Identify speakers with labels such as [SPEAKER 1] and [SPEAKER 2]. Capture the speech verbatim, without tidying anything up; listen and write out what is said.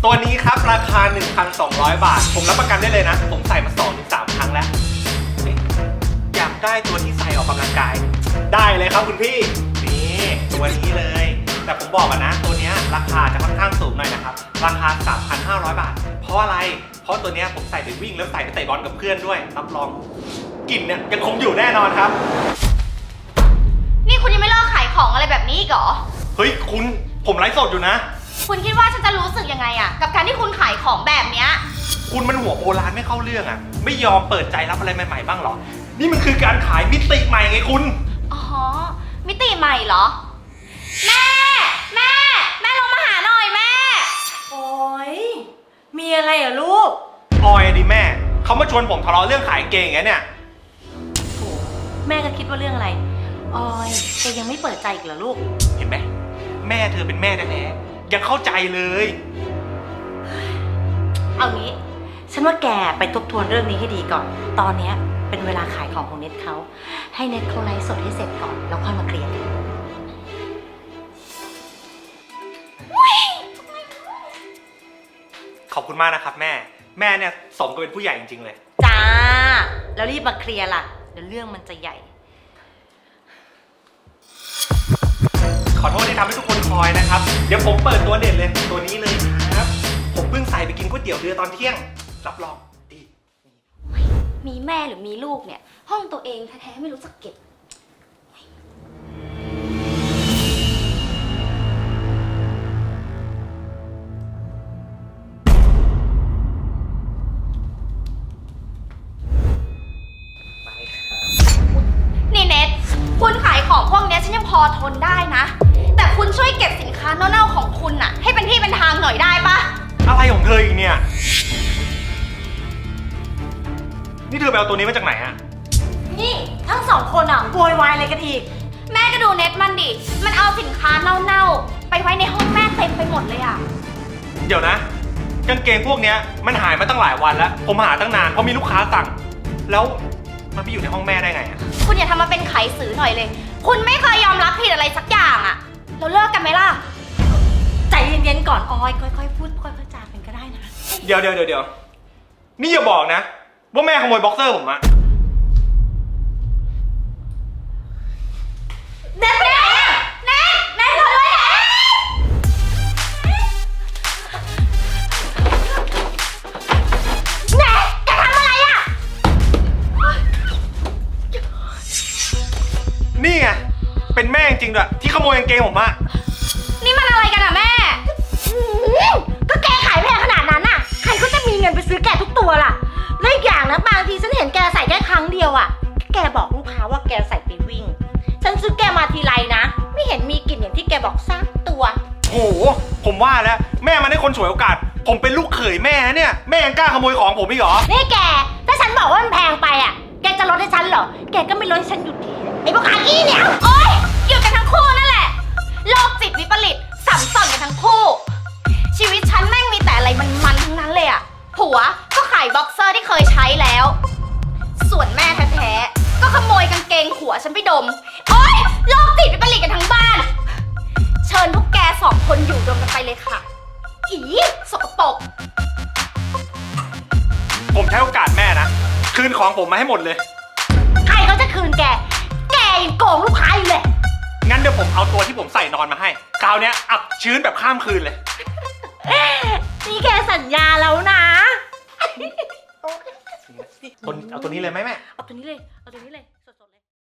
[SPEAKER 1] ตัวนี้ครับราคา หนึ่งพันสองร้อย บาทผมรับประกันได้เลยนะผมใส่มา สองถึงสาม ครั้งแล้วอยากได้ตัวที่ใส่ออกกำลังกายได้เลยครับคุณพี่นี่ตัวนี้เลยแต่ผมบอกกันนะตัวนี้ราคาจะค่อนข้างสูงหน่อยนะครับราคา สามพันห้าร้อย บาทเพราะอะไรเพราะตัวนี้ผมใส่ไปวิ่งแล้วใส่ไปเตะบอลกับเพื่อนด้วยรับรองกลิ่นเนี่ยยังคงอยู่แน่นอนครับ
[SPEAKER 2] นี่คุณยังไม่เลิกขายของอะไรแบบนี้อีกเหรอ
[SPEAKER 1] เฮ้ยคุณผมไลฟ์สดอยู่นะ
[SPEAKER 2] คุณคิดว่าฉันจะรู้สึกยังไงอะกับการที่คุณขายของแบบเนี้ย
[SPEAKER 1] คุณมันหัวโบราณไม่เข้าเรื่องอะไม่ยอมเปิดใจรับอะไรใหม่ๆบ้างหรอนี่มันคือการขายมิติใหม่ไงคุณ
[SPEAKER 2] อ๋อมิติใหม่เหรอแม่แม่แม่ลงมาหาหน่อยแม่
[SPEAKER 3] โอ๊ยมีอะไรเหรอลูก
[SPEAKER 1] ออยดิแม่เขามาชวนผมทะเลาะเรื่องขายเกงอย่างเงี้ยเนี่ย
[SPEAKER 3] โอ้แม่ก็คิดว่าเรื่องอะไรออยแกยังไม่เปิดใจอีกเหรอลูก
[SPEAKER 1] เห็นไหมแม่เธอเป็นแม่แท้ๆยังเข้าใจเลย
[SPEAKER 3] เอางี้ฉันว่าแกไปทบทวนเรื่องนี้ให้ดีก่อนตอนนี้เป็นเวลาขายของของเน็ตเขาให้เน็ตเขาไลฟ์สดให้เสร็จก่อนแล้วค่อยมาเคลียร์กัน
[SPEAKER 1] ขอบคุณมากนะครับแม่แม่เนี่ยสมกับเป็นผู้ใหญ่จริงๆเลย
[SPEAKER 3] จ้าแล้วรีบมาเคลียร์ล่ะเดี๋ยวเรื่องมันจะใหญ่
[SPEAKER 1] ขอโทษที่ทำให้ทุกคนคอยนะครับเดี๋ยวผมเปิดตัวเด่นเลยตัวนี้เลยครับผมเพิ่งใส่ไปกินก๋วยเตี๋ยวเรือตอนเที่ยงรับรองดี
[SPEAKER 2] มีแม่หรือมีลูกเนี่ยห้องตัวเองแท้ๆไม่รู้จักเก็บนี่เน็ตคุณขายของพวกนี้ฉันยังพอทนได้นะแต่คุณช่วยเก็บสินค้าเน่าๆของคุณน่ะให้เป็นที่เป็นทางหน่อยได้ปะ
[SPEAKER 1] อะไรของเธออีกเนี่ยนี่เธอไปเอาตัวนี้มาจากไหนอะ
[SPEAKER 3] นี่ทั้งสองคนอ่ะโวยวายอะไรกันอีก
[SPEAKER 2] แม่ก็ดูเน็ตมันดิมันเอาสินค้าเน่าๆไปไว้ในห้องแม่เต็มไปหมดเลยอะ
[SPEAKER 1] เดี๋ยวนะกางเกงพวกนี้มันหายมาตั้งหลายวันแล้วผมหาตั้งนานเพราะมีลูกค้าสั่งแล้วมันไปอยู่ในห้องแม่ได้ไงอะ
[SPEAKER 2] คุณอย่าทำมาเป็นไขสื่อหน่อยเลยคุณไม่เคยยอมรับผิดอะไรสักอย่างอะเราเลิกกันไหมล่ะ
[SPEAKER 3] ใจเย็นๆก่อนออยค่อยๆพูดค่อยๆจากันก็ได้นะ
[SPEAKER 1] เดี๋ยวเดี๋ยวเดี๋ยวนี่อย่าบอกนะว่าแม่ขโมยบ็อกเซอร์ผมอะ
[SPEAKER 2] เน็ตไปไหนอะเน็ตเน็ตรอด้วยเน็ตเน็ตแกทำอะไรอะ
[SPEAKER 1] นี่ไงเป็นแม่จริงๆด้วยที่ขโมยกางเกงผมอะ
[SPEAKER 2] นี่มันอะไรกันอะแม่
[SPEAKER 3] ก็แกขายแพงขนาดนั้นอะใครก็จะมีเงินไปซื้อแกทุกตัวล่ะและอีกอย่างนะบางทีฉันเห็นแกใส่แค่ครั้งเดียวอะแกบอกลูกค้าว่าแกใส่ไปวิ่งฉันซื้อแกมาทีไรนะไม่เห็นมีกลิ่นอย่างที่แกบอกสักตัว
[SPEAKER 1] โอ้โหผมว่าแล้วแม่มันได้คนฉวยโอกาสผมเป็นลูกเขยแม่เนี่ยแม่ยังกล้าขโมยของผมอีกเหรอ
[SPEAKER 3] นี่แกถ้าฉันบอกว่ามันแพงไปอะแกจะลดให้ฉันเหรอแกก็ไม่ลดให้ฉันอยู่ดีไอ้พวกอากี้เนี่ย
[SPEAKER 2] โอ๊ยหยุดกันทั้งคู่นั่นแหละโรคจิตวิปริตสัมสอนกันทั้งคู่ชีวิตฉันแม่งมีแต่อะไรมันๆทั้งนั้นเลยอะผัวก็ขายบ็อกเซอร์ที่เคยใช้แล้วส่วนแม่แท้ๆก็ขโมยกางเกงผัวฉันไปดมโอ๊ยโรคจิตวิปริตกันทั้งบ้านเชิญพวกแกสองคนอยู่รวมกันไปเลยค่ะอีสกปรก
[SPEAKER 1] ผมใช้โอกาสแม่นะคืนของผมมาให้หมดเลย
[SPEAKER 3] ใครเขาจะคืนแกแกยังโกงลูกค้าอยู่เลย
[SPEAKER 1] งั้นเดี๋ยวผมเอาตัวที่ผมใส่นอนมาให้คราวนี้อับชื้นแบบข้ามคืนเลย
[SPEAKER 3] นี่แกสัญญาแล้วนะ
[SPEAKER 1] เอาตัวนี้เลยไหมแม่
[SPEAKER 3] เอาตัวนี้เลยเอาตัวนี้เลย